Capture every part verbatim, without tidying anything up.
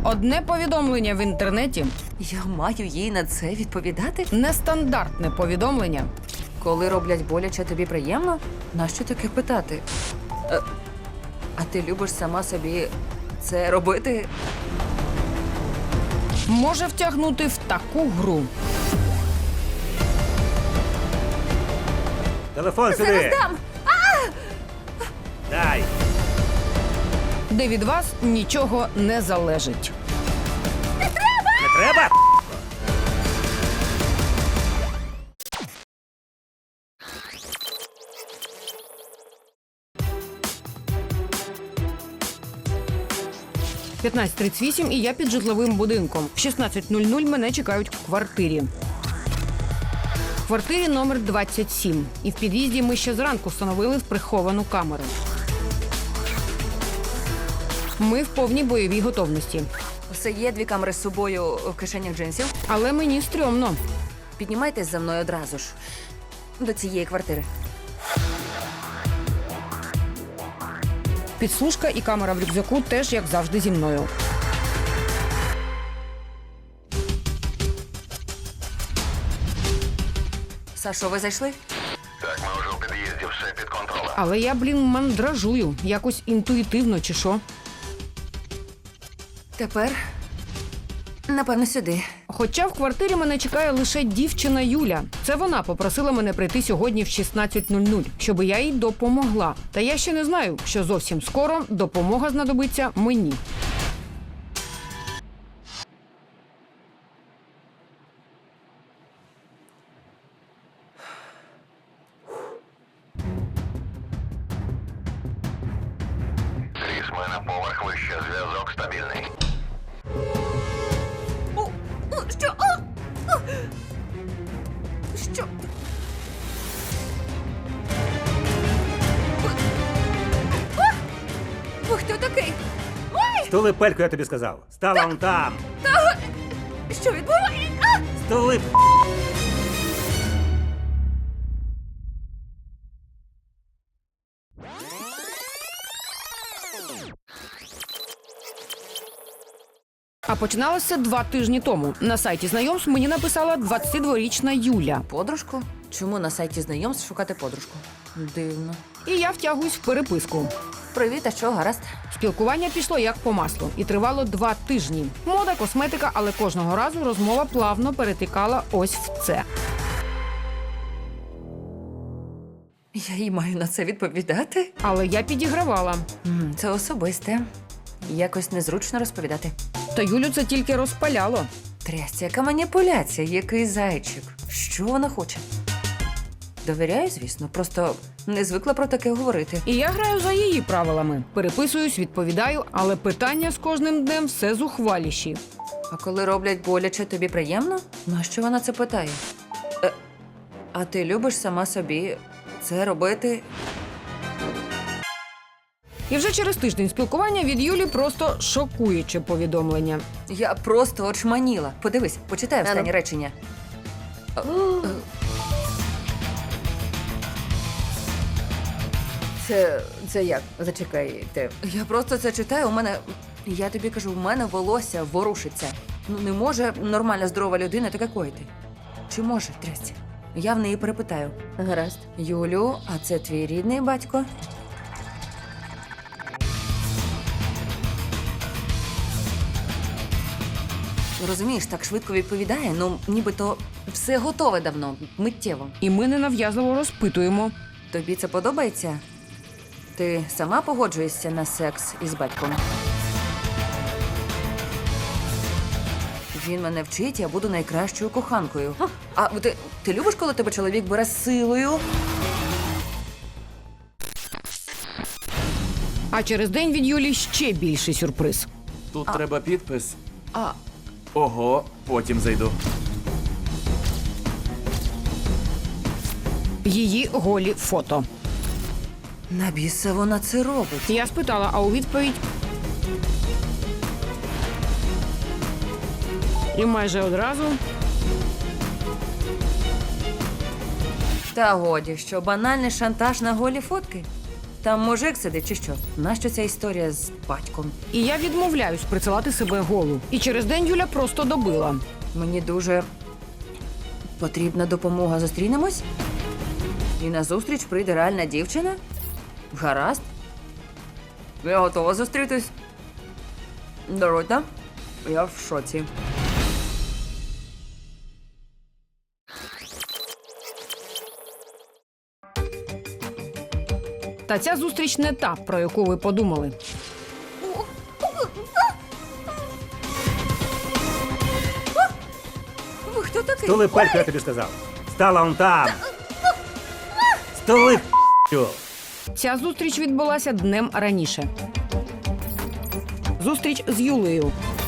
Одне повідомлення в інтернеті Я маю їй на це відповідати? – нестандартне повідомлення. Коли роблять боляче, тобі приємно? Нащо таке питати? Е, а ти любиш сама собі це робити? Може втягнути в таку гру. Телефон сюди! Дам! Дай! Де від вас нічого не залежить. Не треба? п'ятнадцята тридцять вісім і я під житловим будинком. В шістнадцята нуль нуль мене чекають в квартирі. В квартирі номер двадцять сім. І в під'їзді ми ще зранку встановили приховану камеру. Ми в повній бойовій готовності. Все є, дві камери з собою в кишенях джинсів. Але мені стрьомно. Піднімайтесь за мною одразу ж. До цієї квартири. Підслужка і камера в рюкзаку теж, як завжди, зі мною. Сашо, ви зайшли? Так, ми вже у під'їзді, все під контролем. Але я, блін, мандражую. Якось інтуїтивно, чи що. Тепер, напевно, сюди. Хоча в квартирі мене чекає лише дівчина Юля. Це вона попросила мене прийти сьогодні в шістнадцята нуль нуль, щоб я їй допомогла. Та я ще не знаю, що зовсім скоро допомога знадобиться мені. Кріс, ми на поверх вище, зв'язок стабільний. О, о, що? О, о. Що? О! Ви хто такий? Ой! Стули пельку, я тобі сказав. Стала он там. Що відбувається? А! Стули. А починалося два тижні тому. На сайті знайомств мені написала двадцятидворічна Юля. Подружку? Чому на сайті знайомств шукати подружку? Дивно. І я втягуюсь в переписку. Привіт, а що, гаразд? Спілкування пішло як по маслу і тривало два тижні. Мода, косметика, але кожного разу розмова плавно перетікала ось в це. Я їй маю на це відповідати? Але я підігравала. М, Це особисте. Якось незручно розповідати. Та Юлю це тільки розпаляло. Трясця, яка маніпуляція, який зайчик. Що вона хоче? Довіряю, звісно, просто не звикла про таке говорити. І я граю за її правилами. Переписуюсь, відповідаю, але питання з кожним днем все зухваліші. А коли роблять боляче, тобі приємно? Нащо вона це питає? Е, а ти любиш сама собі це робити? І вже через тиждень спілкування від Юлі просто шокуюче повідомлення. Я просто очманіла. Подивись, почитай останнє речення. Е, е. Це, це як? Зачекайте. Я просто це читаю, у мене. Я тобі кажу, у мене волосся ворушиться. Ну не може нормальна здорова людина таке коїти. Чи може, трясця? Я в неї перепитаю. Гаразд. Юлю, а це твій рідний батько? Розумієш, так швидко відповідає, ну нібито все готове давно, миттєво. І ми ненав'язливо розпитуємо. Тобі це подобається? Ти сама погоджуєшся на секс із батьком? Він мене вчить, я буду найкращою коханкою. А ти, ти любиш, коли тебе чоловік бере силою? А через день від Юлі ще більший сюрприз. Тут треба підпис. А, Ого, потім зайду. Її голі фото. на біса вона це робить? Я спитала, а у відповідь... І майже одразу... Та годі, що банальний шантаж на голі фотки? Там мужик сидить чи що? Нащо ця історія з батьком? І я відмовляюсь присилати себе голу. І через день Юля просто добила. Мені дуже потрібна допомога. Зустрінемось? І на зустріч прийде реальна дівчина? Гаразд. Я готова зустрітись. Дорота, я в шоці. Та ця зустріч не та, про яку ви подумали. Ви хто такий? Столи пельку, я тобі сказав. Стала он там. Столи п***ю. Ця зустріч відбулася днем раніше. Зустріч з Юлею.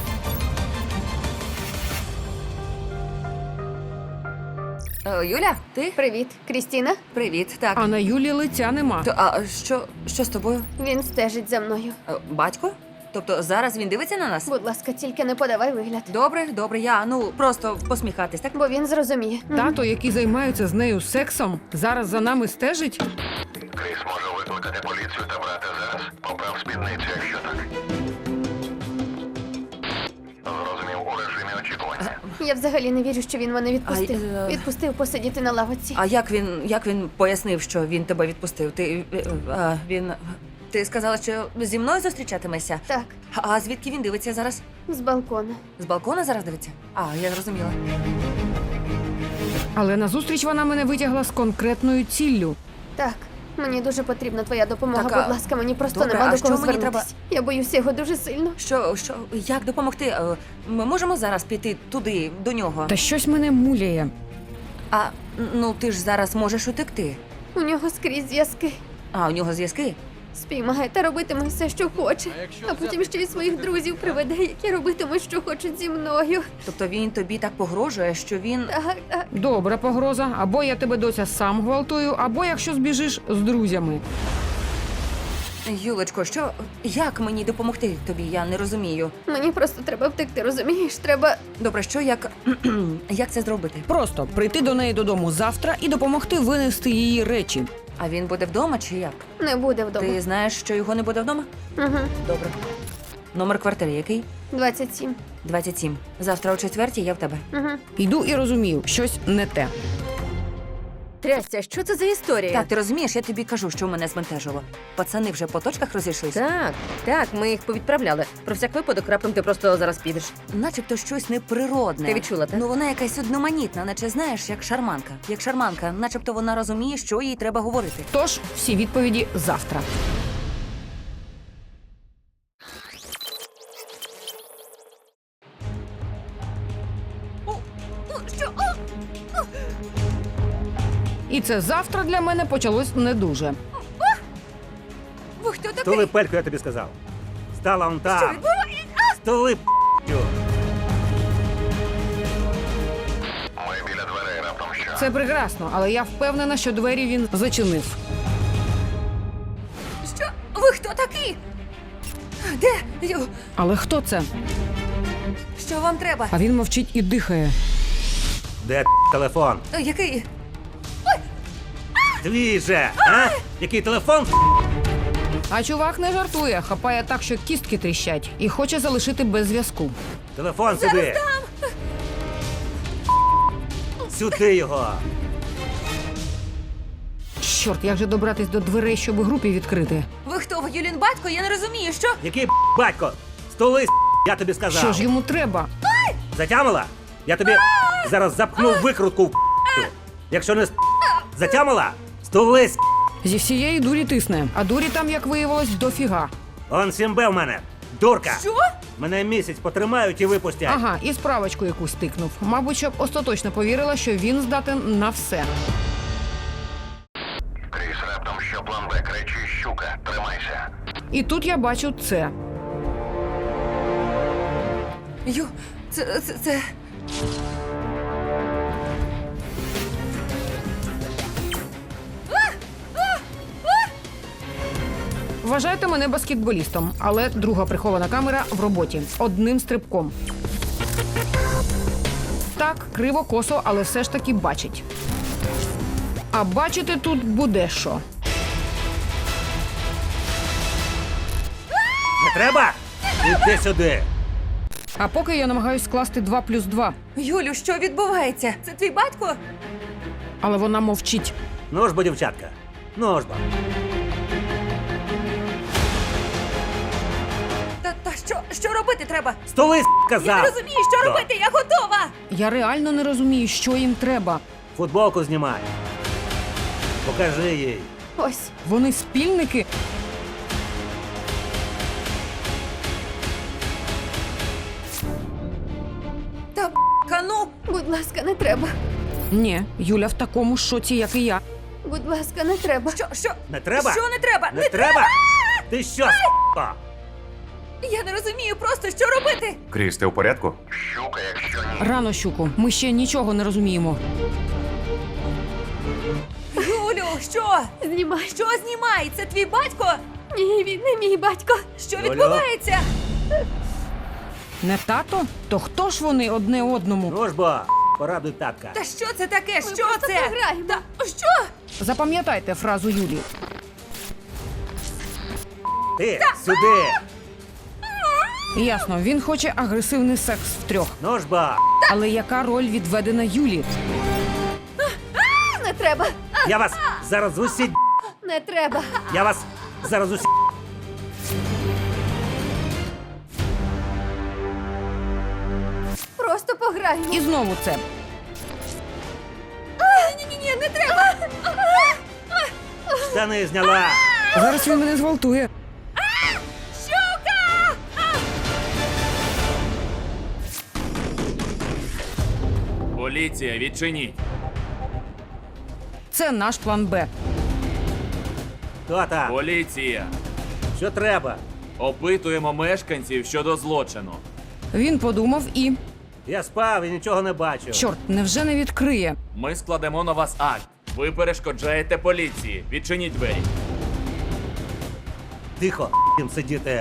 Е, Юля, ти? Привіт, Крістіна. Привіт, так. А на Юлі лиця нема. То, а що, що з тобою? Він стежить за мною. Е, Батько? Тобто зараз він дивиться на нас? Будь ласка, тільки не подавай вигляд, Добре, добре, я, ну, просто посміхатись, так? бо він зрозуміє. Тато, який займається з нею сексом, зараз за нами стежить. Кріс може викликати поліцію та брати зараз. Поправ спідницю, якщо так. Зрозумів у режимі очікування. Я взагалі не вірю, що він мене відпустив. А, е, Відпустив посидіти на лавочці. А як він, як він пояснив, що він тебе відпустив? Ти, е, а, він... Ти сказала, що зі мною зустрічатимешся? Так, А звідки він дивиться зараз? з балкона. З балкона зараз дивиться? А, я зрозуміла. Але на зустріч вона мене витягла з конкретною ціллю. Так, мені дуже потрібна твоя допомога. Так, а- Будь ласка, мені просто Добре, нема а до що кого мені звернутись. треба? Я боюся його дуже сильно. Що, що, як допомогти? Е, Ми можемо зараз піти туди, до нього? Та щось мене муляє. А, ну ти ж зараз можеш утекти. У нього скрізь зв'язки. А, у нього зв'язки? Спіймає та робитиме все, що хоче. А потім ще й своїх друзів приведе, які робитимуть, що хочуть зі мною. Тобто він тобі так погрожує, що він... Так, так. Добра погроза. Або я тебе, доця, сам гвалтую, або якщо збіжиш з друзями. Юлечко, що, як мені допомогти тобі? Я не розумію. Мені просто треба втекти, розумієш? Треба. Добре, що, як, як це зробити? Просто прийти до неї додому завтра і допомогти винести її речі. А він буде вдома чи як? Не буде вдома. Ти знаєш, що його не буде вдома? Угу. Добре. Номер квартири який? двадцять сім. двадцять сім. Завтра о четвертій я в тебе. Угу. Йду і розумію, щось не те. Трясця, що це за історія? Так, ти розумієш, я тобі кажу, що мене збентежило. Пацани вже по точках розійшлися. Так, так, ми їх повідправляли. Про всяк випадок раптом ти просто зараз підеш. Начебто щось неприродне. Ти відчула, так? Ну вона якась одноманітна, наче знаєш, як шарманка. Як шарманка, начебто вона розуміє, що їй треба говорити. Тож всі відповіді завтра. І це завтра для мене почалось не дуже. Ви хто такий? Столи пельку, я тобі сказав. Стала он там. Столи п***ю. Ми біля дверей раптом що. Це прекрасно, але я впевнена, що двері він зачинив. Що? Ви хто такі? Де? Ю, Але хто це? що вам треба? А він мовчить і дихає. Де телефон? Е, Який? Твій же, а? Який телефон? А чувак не жартує, хапає так, що кістки тріщать, і хоче залишити без зв'язку. Телефон сюди. Сюди його. Чорт, як же добратись до дверей, щоб групі відкрити? Ви хто? Ви Юлін батько? Я не розумію, що? Який батько? Столи, я тобі сказав. Що ж йому треба? Затямила? Я тобі зараз запхну викрутку в п***ю. Якщо не с- затямила, столи с***. Зі всієї дурі тисне, а дурі там, як виявилось, дофіга. Он сімбе в мене. Дурка. Що? Мене місяць потримають і випустять. Ага, і справочку якусь тикнув. Мабуть, щоб остаточно повірила, що він здатен на все. Кріс, раптом що план Б, кричи щука, тримайся. І тут я бачу це. Ю, це, це, це... Вважайте мене баскетболістом, але друга прихована камера в роботі. Одним стрибком. Так, криво, косо, але все ж таки бачить. А бачити тут буде що. треба? Іди сюди. А поки я намагаюсь скласти два плюс два, Юлю, що відбувається? Це твій батько? але вона мовчить. Ну ж бо, дівчатка. Ну ж бо. Та, та що, що робити треба? Столи, казав. Я не розумію, що Да. робити, я готова! Я реально не розумію, що їм треба. Футболку знімай. Покажи їй. Ось. Вони спільники. Та б***ка, ну! Будь ласка, не треба. Ні, Юля в такому ж шоці, як і я. Будь ласка, не треба. Що, що? Не треба? Що не треба? Не треба? Ти що, с***ка? Я не розумію просто, що робити! Кріс, ти у порядку? Щука, якщо ні. Рано, щуку, ми ще нічого не розуміємо. Юлю, що? Знімай. Що знімай? Це твій батько? Ні, він не мій батько. Що Юлю? відбувається? Не тато? То хто ж вони одне одному? Ну ж бо, порадуй татка. Та що це таке? Ми що просто це? пограємо. Та що? Запам'ятайте фразу Юлі. Ти, сюди. Ясно, він хоче агресивний секс втрьох. Ну ж бо. Але яка роль відведена Юлі? Не треба. Я вас зараз усі... Не треба. Я вас зараз усі... Просто пограємо. І знову це. Ні-ні-ні, не треба. Штани зняла. Зараз він мене зґвалтує. Поліція, відчиніть. Це наш план Б. Хто там? Поліція. Що треба? Опитуємо мешканців щодо злочину. Він подумав і. Я спав і нічого не бачив. Чорт, невже не відкриє? Ми складемо на вас акт. Ви перешкоджаєте поліції. Відчиніть двері. Тихо, їм сидіти.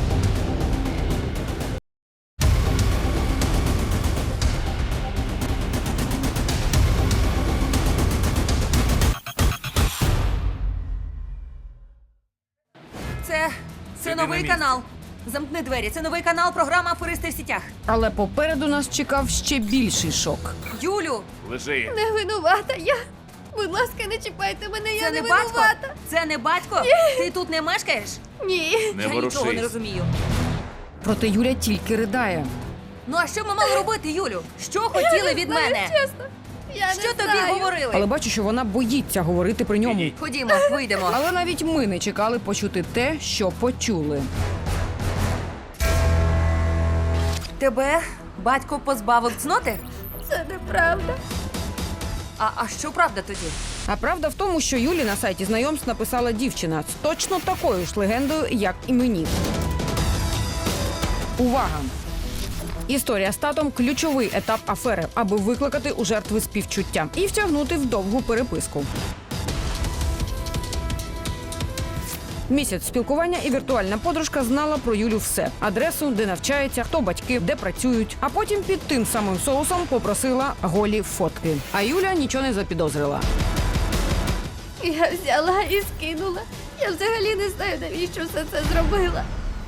Це. Це Сиди на новий місці. канал. Замкни двері. Це новий канал, програма Аферисти в сітях. Але попереду нас чекав ще більший шок. Юлю, Лежи. Не винувата я. Будь ласка, не чіпайте мене, я це не не батько? винувата. Це не батько? Ти тут не мешкаєш? Ні. Не Я нічого не ворушись. розумію. Проте Юля тільки ридає. Ну а що ми мали робити, Юлю? Що хотіли від Знаю, мене? чесно. Я Що не тобі знаю. говорили? Але бачу, що вона боїться говорити при ньому. Ідіть. Ходімо, вийдемо. Але навіть ми не чекали почути те, що почули. Тебе батько позбавив цноти? Це неправда. А, а що правда тоді? А правда в тому, що Юлі на сайті знайомств написала дівчина з точно такою ж легендою, як і мені. Увага! Історія з татом – ключовий етап афери, аби викликати у жертви співчуття і втягнути в довгу переписку. Місяць спілкування і віртуальна подружка знала про Юлю все – адресу, де навчається, хто батьки, де працюють. А потім під тим самим соусом попросила голі фотки. А Юля нічого не запідозрила. Я взяла і скинула. Я взагалі не знаю, навіщо все це зробила.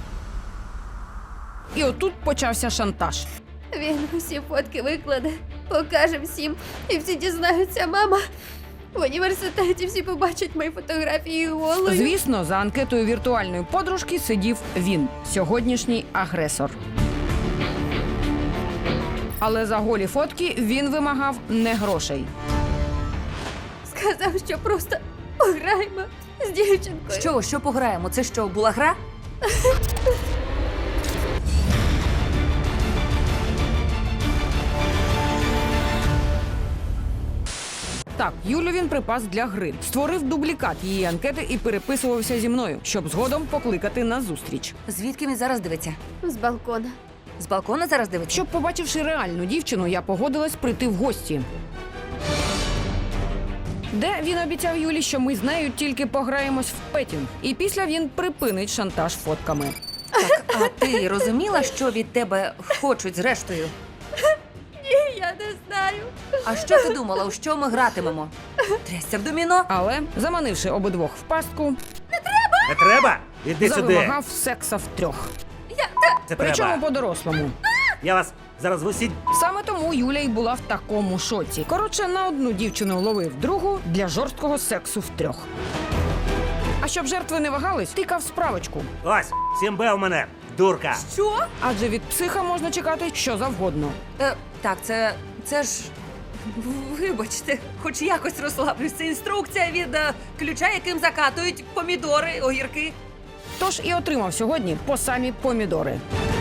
І отут почався шантаж. Він усі фотки викладе, покаже всім, і всі дізнаються, мама. В університеті всі побачать мої фотографії голою. Звісно, за анкетою віртуальної подружки сидів він, сьогоднішній агресор. Але за голі фотки він вимагав не грошей. Сказав, що просто пограємо з дівчинкою. Що, що пограємо? Це що, була гра? Так, Юлю він припас для гри. Створив дублікат її анкети і переписувався зі мною, щоб згодом покликати на зустріч. Звідки він зараз дивиться? З балкона. З балкона зараз дивиться? Щоб, побачивши реальну дівчину, я погодилась прийти в гості. Де він обіцяв Юлі, що ми з нею тільки пограємось в петінг. І після він припинить шантаж фотками. А ти розуміла, що від тебе хочуть зрештою? Ні, я не знаю. А що ти думала, у що ми гратимемо? Трясся в доміно? Але, заманивши обидвох в пастку, Не треба? Іди сюди. завимагав секса втрьох. Це Причому треба. по-дорослому. Я вас зараз в усі Саме тому Юля й була в такому шоці. Коротше, на одну дівчину ловив другу для жорсткого сексу втрьох. А щоб жертви не вагались, тикав справочку. Ось, сім бе у мене, дурка. Що? Адже від психа можна чекати що завгодно. Е, так, це. це ж. Вибачте, хоч якось розслаблюсь. Це інструкція від е, ключа, яким закатують помідори, огірки. Тож і отримав сьогодні по самі помідори.